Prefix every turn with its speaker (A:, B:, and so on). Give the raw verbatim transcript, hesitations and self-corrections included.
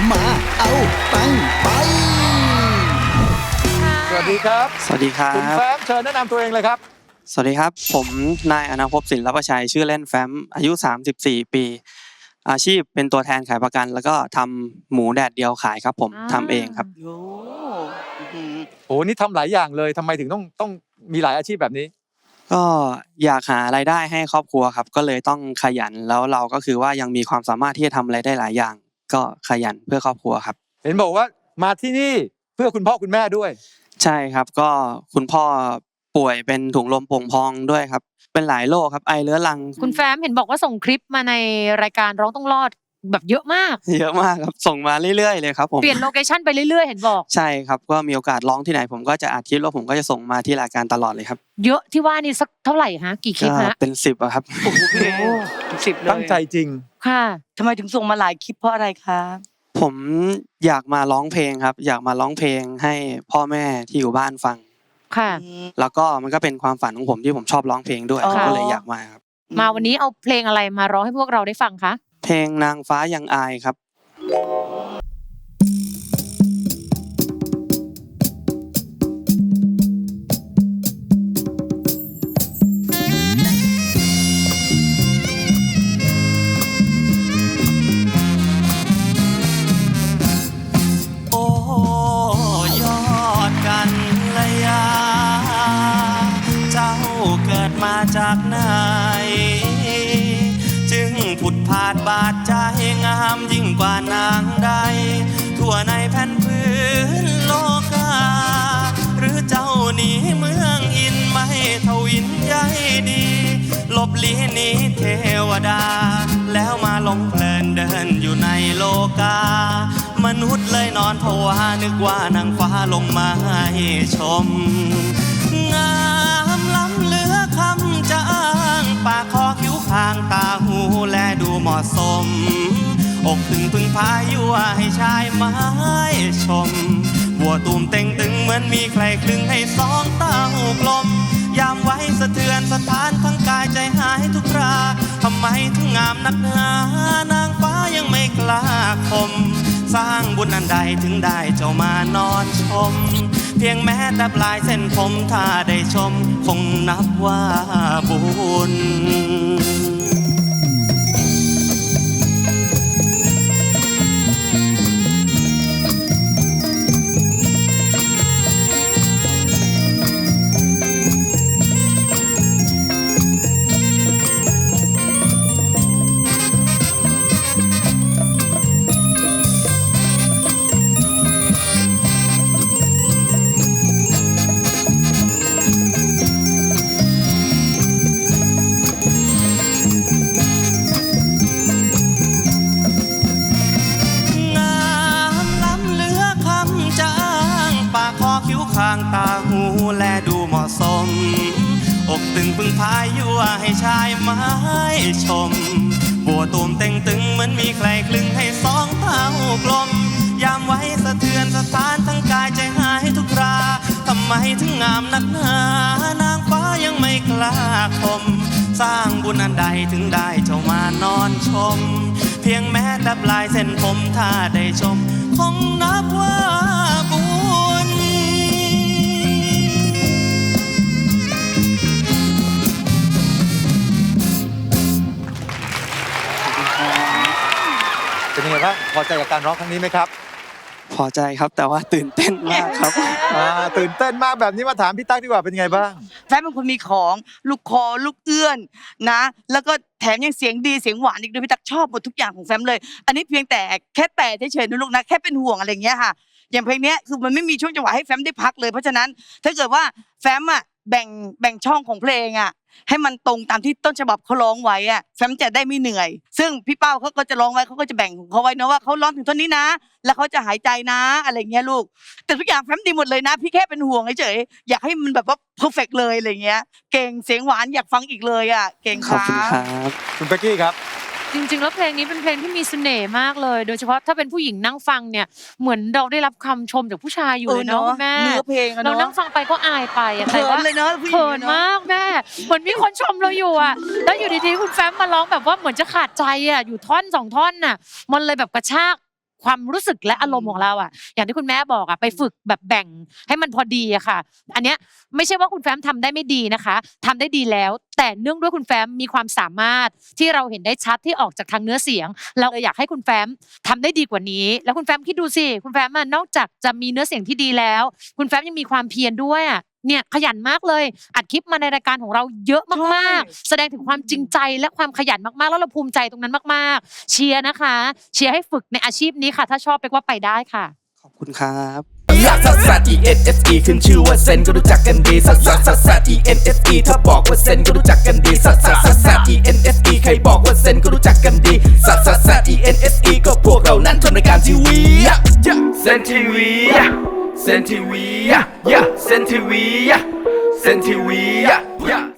A: มาเอาตังไป
B: สวัสดีครับ
C: สวัสดีครับ
B: คุณแฟ้มเชิญแนะนำตัวเองเลยครับ
C: สวัสดีครับผมนายอนาภพศิลปชัยชื่อเล่นแฟ้มอายุสามสิบสี่ปีอาชีพเป็นตัวแทนขายประกันแล้วก็ทำหมูแดดเดียวขายครับผมทำเองครับ
D: โอ้
B: โอ้นี่ทำหลายอย่างเลยทำไมถึงต้องต้องมีหลายอาชีพแบบนี้
C: ก็อยากหารายได้ให้ครอบครัวครับก็เลยต้องขยันแล้วเราก็คือว่ายังมีความสามารถที่จะทำอะไรได้หลายอย่างก็ขยันเพื่อครอบครัวครับ
B: เห็นบอกว่ามาที่นี่เพื่อคุณพ่อคุณแม่ด้วย
C: ใช่ครับก็คุณพ่อป่วยเป็นถุงลมโป่งพองด้วยครับเป็นหลายโรคครับไอเรื้อรัง
E: คุณแฟ้มเห็นบอกว่าส่งคลิปมาในรายการร้องต้องรอดแบบเยอะมาก
C: เยอะมากครับส่งมาเรื่อยๆเลยครับผม
E: เปลี่ยนโลเคชั่นไปเรื่อยๆเห็นบอก
C: ใช่ครับก็มีโอกาสร้องที่ไหนผมก็จะอัดคลิปแล้วผมก็จะส่งมาที่รายการตลอดเลยครับ
E: เยอะที่ว่านี่สักเท่าไหร่ฮะกี่คลิปฮะ
C: เป็นสิบอะครับ
D: โอ้โหพี่สิบเลย
B: ตั้งใจจริง
E: ค่ะ
D: ทำไมถึงส่งมาหลายคลิปเพราะอะไรคะ
C: ผมอยากมาร้องเพลงครับอยากมาร้องเพลงให้พ่อแม่ที่อยู่บ้านฟัง
E: ค่ะ
C: แล้วก็มันก็เป็นความฝันของผมที่ผมชอบร้องเพลงด้วยก็เลยอยากมาครับ
E: มาวันนี้เอาเพลงอะไรมาร้องให้พวกเราได้ฟังคะ
C: เพลงนางฟ้ายังอายครับ
F: โอ้ยอดกันระยาเจ้าเกิดมาจากไหนจึงผุดผาดบาดใจงามยิ่งกว่านางใดทั่วในแผ่นพื้นโลกาหรือเจ้าหนีเมืองอินไม่ทวินใยดีหลบลี้หนีเทวดาแล้วมาหลงเพลินเดินอยู่ในโลกามนุษย์เลยนอนผวานึกว่านางฟ้าลงมาให้ชมงามล้ำเหลือคำจะอ้างปากคอคิ้วคางตาหูแลดูเหมาะสมอกถึงพึ่งพายั่วให้ชายไม้ชมบัวตูมเต็งตึงเหมือนมีใครคลึงให้สองเต้ากลมยามไว้สะเทือนสถานทั้งกายใจหายทุกคราทำไมถึงงามนักหนานางฟ้ายังไม่กล้าคมสร้างบุญอันใดถึงได้เจ้ามานอนชมเพียงแม้แต่ปลายเส้นผมถ้าได้ชมคงนับว่าบุญข้างตาหูแลดูเหมาะสมอกตึงพึ่งพายยั่วให้ชายไม้ชมบัวตูมเต็งตึงเหมือนมีใครคลึงให้สองเท้ากลมยามไว้สะเทือนสถานทั้งกายใจหายทุกคราทำไมถึงงามนักหนานางฟ้ายังไม่กล้าคมสร้างบุญอันใดถึงได้เจ้ามานอนชมเพียงแม้แต่ปลายเส้นผมถ้าได้ชมคงนับว่าบุญ
B: เป็นยังไงบ้างพอใจกับการร้องครั้งนี้ไหมครับ
C: พอใจครับแต่ว่าตื่นเต้นมากครับ
B: อ่าตื่นเต้นมากแบบนี้มาถามพี่ตั๊กดีกว่าเป็นยังไงบ้าง
D: แฟ้มเป็นคนมีของลูกคอลูกเอื้อนนะแล้วก็แถมยังเสียงดีเสียงหวานอีกด้วยพี่ตั๊กชอบหมดทุกอย่างของแฟ้มเลยอันนี้เพียงแต่แค่แต่เฉยๆนะลูกนะแค่เป็นห่วงอะไรอย่างเงี้ยค่ะอย่างเพลงนี้คือมันไม่มีช่วงจังหวะให้แฟ้มได้พักเลยเพราะฉะนั้นถ้าเกิดว่าแฟ้มอ่ะแบ่งแบ่งช่องของเพลงอ่ะให้มันตรงตามที่ต้นฉบับเขาร้องไว้อ่ะแฟ้มจะได้ไม่เหนื่อยซึ่งพี่เป้าเขาก็จะร้องไว้เขาก็จะแบ่งของเขาไว้นะว่าเขาร้องถึงท่อนนี้นะแล้วเขาจะหายใจนะอะไรเงี้ยลูกแต่ทุกอย่างแฟ้มดีหมดเลยนะพี่แค่เป็นห่วงเฉยๆอยากให้มันแบบว่าเพอร์เฟกต์เลยอะไรเงี้ยเก่งเสียงหวานอยากฟังอีกเลยอ่ะเก่งครับ
C: ขอบคุณครับ
B: คุณเป๊กกี้ครับ
E: จริงๆแล้วเพลงนี้เป็นเพลงที่มีเสน่ห์มากเลยโดยเฉพาะถ้าเป็นผู้หญิงนั่งฟังเนี่ยเหมือนเราได้รับคำชมจากผู้ชายอยู่เลยเนาะแม่
D: เนื้อเพลงอะเนาะ
E: เรานั่งฟังไปก็อายไปอะแต่ว่า
D: เลยเนาะ
E: เขินมากแม่เหมือนมีคนชมเราอยู่อะแล้วอยู่ดีๆคุณแฟ้มมาร้องแบบว่าเหมือนจะขาดใจอะอยู่ท่อนสองท่อนน่ะมันเลยแบบกระชากความรู้สึกและอารมณ์ของเราอ่ะอย่างที่คุณแม่บอกอ่ะไปฝึกแบบแบ่งให้มันพอดีอะค่ะอันเนี้ยไม่ใช่ว่าคุณแฟ้มทำได้ไม่ดีนะคะทำได้ดีแล้วแต่เนื่องด้วยคุณแฟ้มมีความสามารถที่เราเห็นได้ชัดที่ออกจากทางเนื้อเสียงเราเลยอยากให้คุณแฟ้มทำได้ดีกว่านี้แล้วคุณแฟ้มคิดดูสิคุณแฟ้มนอกจากจะมีเนื้อเสียงที่ดีแล้วคุณแฟ้มยังมีความเพียรด้วยอ่ะเนี่ยขยันมากเลยอัดคลิปมาในรายการของเราเยอะมากๆแสดงถึงความจริงใจและความขยันมากๆแล้วเราภูมิใจตรงนั้นมากๆเชียร์นะคะเชียร์ให้ฝึกในอาชีพนี้ค่ะถ้าชอบไปว่าไปได้ค่ะ
C: ขอบคุณครับ
G: ลักซัสซัส E N S E ขึ้นชื่อว่าเซนก็รู้จักกันดีซัสซัสซัสซัส E N S E ถ้าบอกว่าเซนก็รู้จักกันดีซัสซัสซัสซัส E N S E ใครบอกว่าเซนก็รู้จักกันดีซัสซัสซัส E N S E ก็พวกเรานั้นทำรายการทีวีเซนทีวีเซนทีวีเซนทีวีเซนทีวี